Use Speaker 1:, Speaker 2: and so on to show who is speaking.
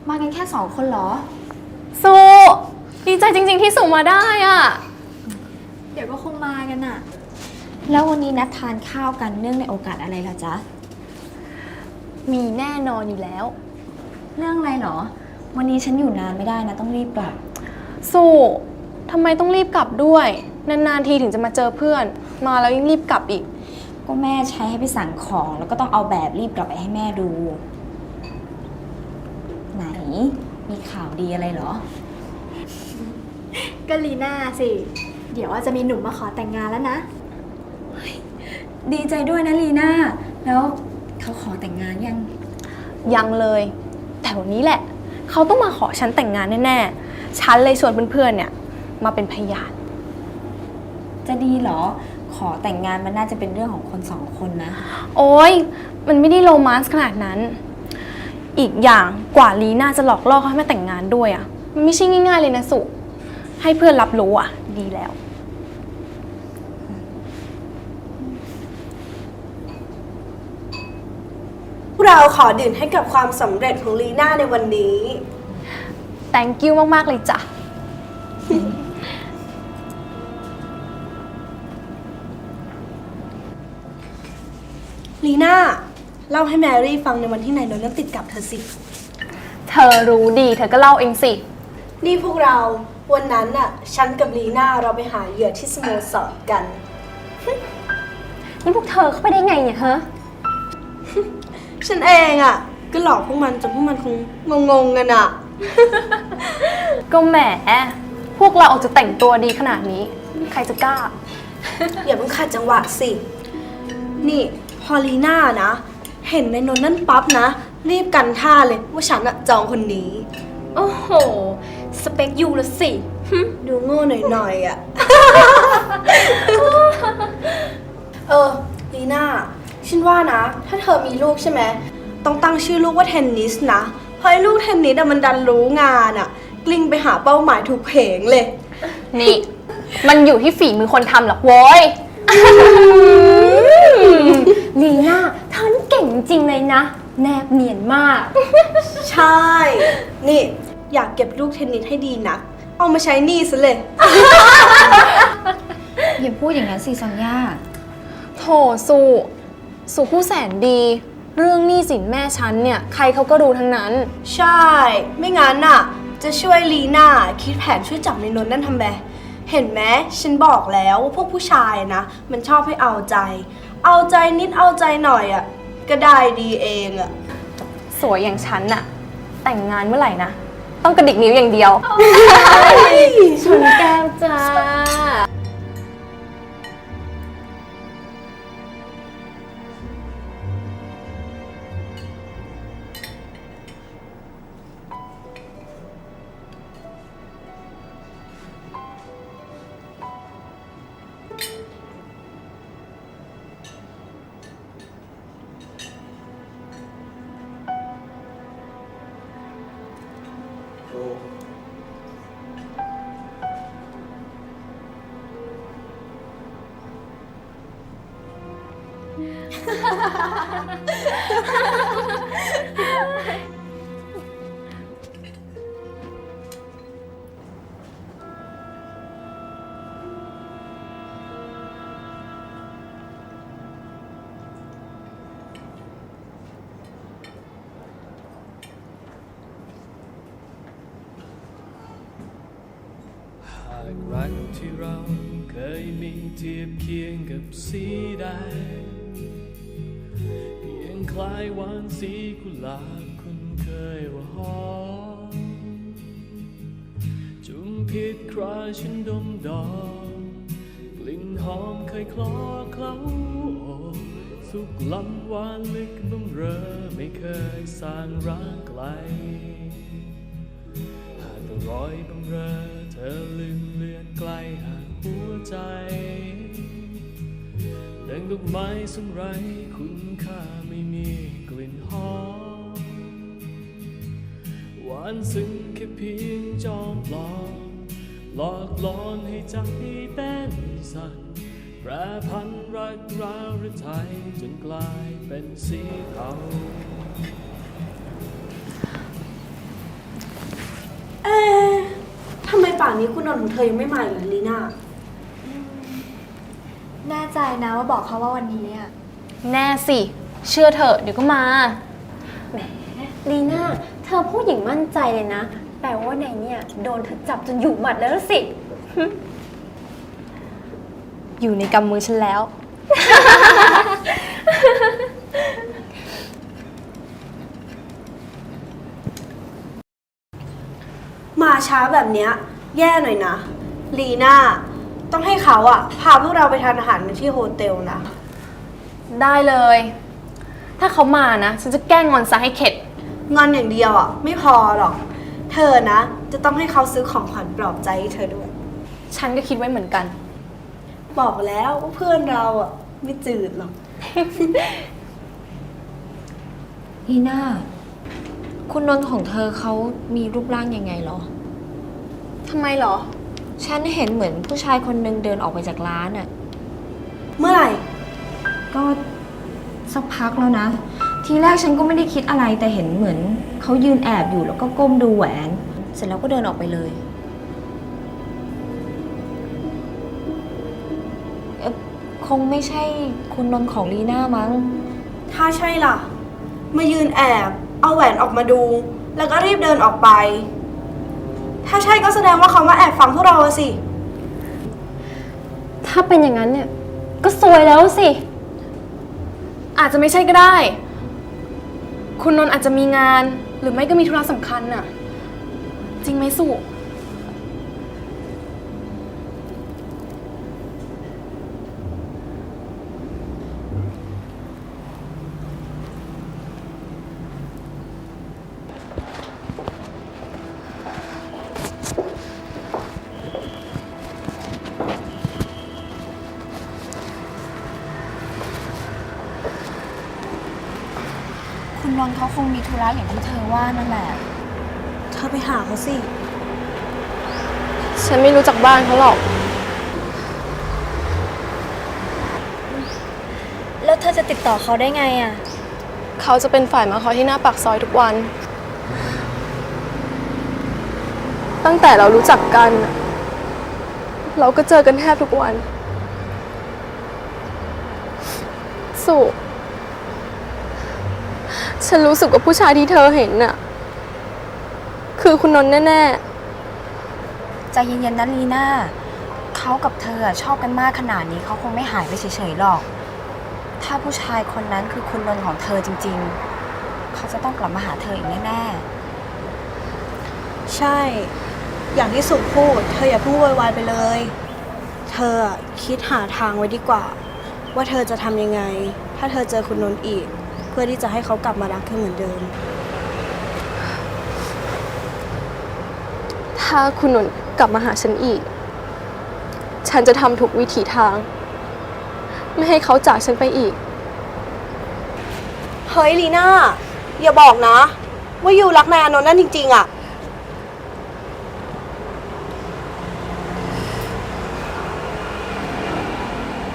Speaker 1: มากันแค่2 คนเหรอ
Speaker 2: สุดีใจจริงๆที่สุมาได้อ่ะ
Speaker 1: เดี๋ยวก็คงมากันน่ะแล้ววันนี้นัดทานข้าวกันเนื่องในโอกาสอะไรล่ะจ๊ะ
Speaker 2: มีแน่นอนอยู่แล้ว
Speaker 1: เรื่องอะไรเหรอวันนี้ฉันอยู่นานไม่ได้นะต้องรีบกลับ
Speaker 2: สุทำไมต้องรีบกลับด้วยนานๆทีถึงจะมาเจอเพื่อนมาแล้วยังรีบกลับอีก
Speaker 1: ก็แม่ใช้ให้ไปสั่งของแล้วก็ต้องเอาแบบรีบกลับไปให้แม่ดูไหนมีข่าวดีอะไรเหรอ
Speaker 3: ก็ลีน่าสิเดี๋ยวว่าจะมีหนุ่มมาขอแต่งงานแล้วนะ
Speaker 1: ดีใจด้วยนะลีน่าแล้วเขาขอแต่งงาน
Speaker 2: ยังเลยแต่วันนี้แหละเขาต้องมาขอฉันแต่งงานแน่ๆฉันเลยชวนเพื่อนๆเนี่ยมาเป็นพยาน
Speaker 1: จะดีเหรอขอแต่งงานมันน่าจะเป็นเรื่องของคน2 คนนะ
Speaker 2: โอ๊ยมันไม่ได้โรแมนต์ขนาดนั้นอีกอย่างกว่าลีน่าจะหลอกล่อเขาให้มาแต่งงานด้วยอ่ะมันไม่ใช่ง่ายๆเลยนะสุให้เพื่อนรับรู้อ่ะดีแล้ว
Speaker 4: เราขอดื่มให้กับความสำเร็จของลีน่าในวันนี้
Speaker 2: thank you มากๆเลยจ้ะ
Speaker 4: ลีน่าเล่าให้แมรี่ฟังในวันที่นายโดนติดกับเธอสิ
Speaker 2: เธอรู้ดีเธอก็เล่าเองสิ
Speaker 4: นี่พวกเราวันนั้นน่ะฉันกับลีน่าเราไปหาเหยื่อที่สโมสรกัน
Speaker 2: นี่พวกเธอเข้าไปได้ไงเนี่ยฮะ
Speaker 4: ฉันเองอ่ะก็หลอกพวกมันจนพวกมันคงงงกันอ่ะ
Speaker 2: ก็แหมพวกเราออกจะแต่งตัวดีขนาดนี้ใครจะกล้า
Speaker 4: อย่าเพิ่งขัดจังหวะสินี่พอลีน่านะเห็นในนนนั่นปั๊บนะรีบกันท่าเลยว่าฉันอะจองคนนี้
Speaker 2: โอ้โหสเปคยูละสิ
Speaker 4: ดูโง่หน่อยๆอ่ะ ลีน่าฉันว่านะถ้าเธอมีลูกใช่ไหมต้องตั้งชื่อลูกว่าเทนนิสนะเพราะไอ้ลูกเทนนิสอะมันดันรู้งานอะกลิ้งไปหาเป้าหมายถูกเพงเลย
Speaker 2: นี่มันอยู่ที่ฝีมือคนทำหรอกโว้ยลีน่าเธอนี่เก่งจริงเลยนะแนบเนียนมาก
Speaker 4: ใช่นี่อยากเก็บลูกเทนนิสให้ดีนักเอามาใช้หนี้ซะเลย
Speaker 1: อย่าพูดอย่างนั้นสิซอนย่า
Speaker 2: โถสุผู้แสนดีเรื่องหนี้สินแม่ฉันเนี่ยใครเขาก็รู้ทั้งนั้น
Speaker 4: ใช่ไม่งั้นน่ะจะช่วยลีน่าคิดแผนช่วยจับในนนท์นั่นทำไมเห็นไหมฉันบอกแล้วว่าพวกผู้ชายนะมันชอบให้เอาใจนิดเอาใจหน่อยอ่ะก็ได้ดีเองอ่ะ
Speaker 2: สวยอย่างฉันน่ะแต่งงานเมื่อไหร่นะต้องกระดิกนิ้วอย่างเดียวชนแก้วจ้า
Speaker 5: รักที่เราเคยมีเทียบเคียงกับสีแดงเพียงคล้ายหวานสีกุหลาบคุณเคยว่าหอมจุมพิษคราฉันดมดอมกลิ่นหอมเคยคลอเคล้าโอสุกล้ำหวานลึกบำเรอไม่เคยสร้างรักไกลหากต้องรอยบำเรอเธอลืมเลือนไกลห่างหัวใจดังดอกไม้สูงไร้คุณค่าไม่มีกลิ่นหอมหวานซึ้งแค่เพียงจอมปลอมหลอกหลอนให้ใจเต้นสั่นแปรพันรักร้าวหรือไทยจนกลายเป็นสีเทา
Speaker 4: ป่านนี้คุณนนท์ของเธอยังไม่มาอีกเลยลีน่า
Speaker 3: แน่ใจนะว่าบอกเขาว่าวันนี้อะ
Speaker 2: แน่สิ เชื่อเถอะเดี๋ยวก็มา
Speaker 3: แหมลีน่าเธอพูดอย่างมั่นใจเลยนะ แปลว่าในเนี่ยโดนเธอจับจนอยู่หมัดแล้วสิ
Speaker 2: อยู่ในกำมือฉันแล้ว
Speaker 4: มาช้าแบบเนี้ยแย่หน่อยนะลีน่าต้องให้เขาอะพาพวกเราไปทานอาหารกันที่โฮเทลนะ
Speaker 2: ได้เลย ถ้าเขามานะ ฉันจะแกล้งงอนซะให้เข็ด
Speaker 4: งอนอย่างเดียวอะไม่พอหรอก เธอนะ จะต้องให้เขาซื้อของขวัญปลอบใจให้เธอด้วย
Speaker 2: ฉันก็คิดไว้เหมือนกัน
Speaker 4: บอกแล้วว่าเพื่อนเราอะไม่จืดหรอก
Speaker 1: ลีน่า คุณนนท์ของเธอเขามีรูปร่างยังไงเหรอ
Speaker 2: ทำไมเหรอ
Speaker 1: ฉันเห็นเหมือนผู้ชายคนนึงเดินออกไปจากร้านอะ
Speaker 4: เมื่อไหร่
Speaker 1: ก็สักพักแล้วนะ ทีแรกฉันก็ไม่ได้คิดอะไรแต่เห็นเหมือนเขายืนแอบอยู่แล้วก็ก้มดูแหวน เสร็จแล้วก็เดินออกไปเลยคงไม่ใช่คุณนนท์ของลีน่ามั้ง
Speaker 4: ถ้าใช่ล่ะ มายืนแอบเอาแหวนออกมาดู แล้วก็รีบเดินออกไป ถ้าใช่ก็แสดงว่าเขามาแอบฟังพวกเราอะสิ
Speaker 3: ถ้าเป็นอย่างนั้นเนี่ยก็ซวยแล้วสิ
Speaker 2: อาจจะไม่ใช่ก็ได้ คุณนนท์อาจจะมีงาน หรือไม่ก็มีธุระสำคัญน่ะ จริงไหมสุ
Speaker 1: คุณนนท์เขาคงมีธุระอย่างที่เธอว่านั่นแหละ
Speaker 4: เธอไปหาเขาสิ
Speaker 2: ฉันไม่รู้จักบ้านเขาหรอก
Speaker 3: แล้วเธอจะติดต่อเขาได้ไงอะ
Speaker 2: เขาจะเป็นฝ่ายมาคอยที่หน้าปากซอยทุกวัน ตั้งแต่เรารู้จักกันน่ะเราก็เจอกันแทบทุกวัน สุฉันรู้สึกว่าผู้ชายที่เธอเห็นน่ะ คือคุณนนท์แน่
Speaker 1: ใจเย็นๆนะลีน่า เขากับเธอชอบกันมากขนาดนี้เขาคงไม่หายไปเฉยๆหรอก ถ้าผู้ชายคนนั้นคือคุณนนท์ของเธอจริงๆ เขาจะต้องกลับมาหาเธออีกแน่
Speaker 4: ใช่ อย่างที่สุพูด เธออย่าเพิ่งโวยวายไปเลย เธอคิดหาทางไว้ดีกว่า ว่าเธอจะทำยังไง ถ้าเธอเจอคุณนนท์อีก เพื่อที่จะให้เขากลับมารักเธอเหมือนเดิม
Speaker 2: ๆ ถ้าคุณนนท์กลับมาหาฉันอีก ฉันจะทำทุกวิถีทาง ไม่ให้เขาจากฉันไปอีก
Speaker 4: เฮ้ยลีน่า อย่าบอกนะ ว่ายูรักนายอานนท์นั่นจริงๆอะ